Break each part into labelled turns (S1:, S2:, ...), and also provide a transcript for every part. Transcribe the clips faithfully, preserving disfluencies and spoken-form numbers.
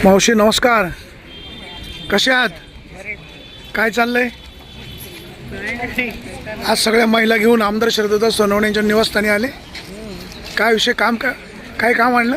S1: मावशी नमस्कार, कसे आहात? काय चाललंय? आज सगळ्या महिला घेऊन आमदार शरदत्ता सोनवणे यांच्या निवासस्थानी आले. काय विषय, काम का काय काम आणलं?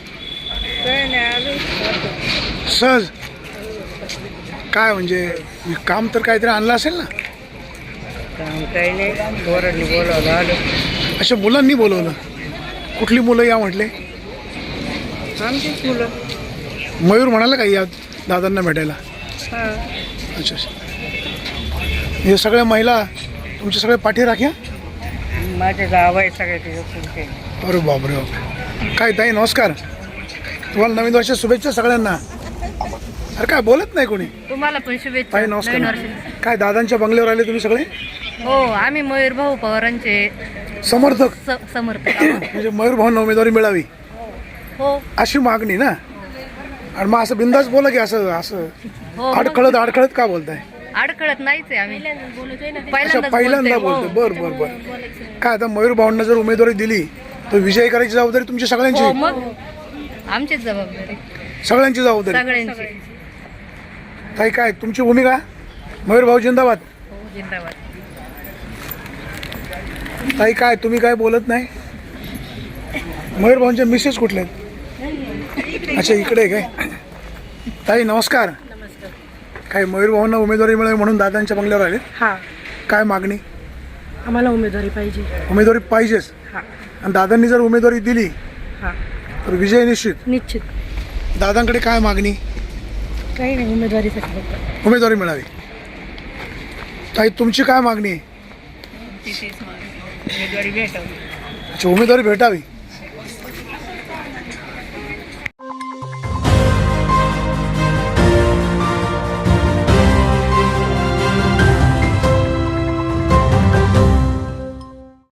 S1: सहज काय म्हणजे काम तर काहीतरी आणलं असेल ना?
S2: काम काही नाही, पोरांनी बोलावलं आलो.
S1: अशा मुलांनी बोलवलं? कुठली मुलं या म्हटले?
S2: आमचीच मुलं.
S1: मयूर म्हणाला का या दादांना भेटायला?
S2: हां.
S1: अच्छा अच्छा. हे सगळ्या महिला तुमच्या सगळ्या पाठी राख्या?
S2: माझे गाव आहे सगळे तिथे.
S1: अरे बापरे बाप. काय ताई नमस्कार, तुम्हाला नवीन वर्षाच्या शुभेच्छा सगळ्यांना. अरे काय बोलत नाही कोणी?
S3: तुम्हाला पण शुभेच्छा.
S1: ताई नमस्कार. काय दादांच्या बंगल्यावर आले तुम्ही सगळे?
S3: हो, आम्ही मयूर भाऊ पवारांचे
S1: समर्थक,
S3: स- समर्थक.
S1: म्हणजे मयूर भाऊंना उमेदवारी मिळावी
S3: हो
S1: अशी मागणी ना? आणि मग असं बिंदास बोला की असं असं
S3: हो,
S1: अडखळत अडखळत का बोलताय?
S3: अडकळत नाहीच आहे आम्ही.
S1: अच्छा,
S3: पहिल्यांदाच
S1: पहिल्यांदा
S3: बोलतोय.
S1: बोलतोय. बर बर बर. काय आता मयूर भाऊंना जर उमेदवारी दिली तर विजयी करायची जबाबदारी तुमची
S3: हो,
S1: सगळ्यांची?
S3: मग आमचीच जबाबदारी,
S1: सगळ्यांची जबाबदारी.
S3: सगळ्यांची.
S1: ताई काय तुमची भूमिका? मयूर भाऊ जिंदाबाद.
S3: हो, जिंदाबाद.
S1: ताई काय तुम्ही काय बोलत नाही? मयूर भाऊंच्या मिसेस कुठले आहेत? अच्छा, इकडे आहे काय? ताई नमस्कार. काय मयूर भाऊंना उमेदवारी मिळावी म्हणून दादांच्या बंगल्यावर आले?
S2: हां,
S1: काय मागणी?
S2: आम्हाला उमेदवारी पाहिजे.
S1: उमेदवारी पाहिजेच.
S2: हां
S1: आणि दादांनी जर उमेदवारी दिली
S2: हां,
S1: तर विजय निश्चित.
S2: निश्चित.
S1: दादांकडे काय मागणी?
S2: काही नाही, उमेदवारीसाठी फक्त.
S1: उमेदवारी मिळावी. ताई तुमची काय मागणी आहे?
S2: उमेदवारी भेटावी.
S1: अच्छा, उमेदवारी भेटावी.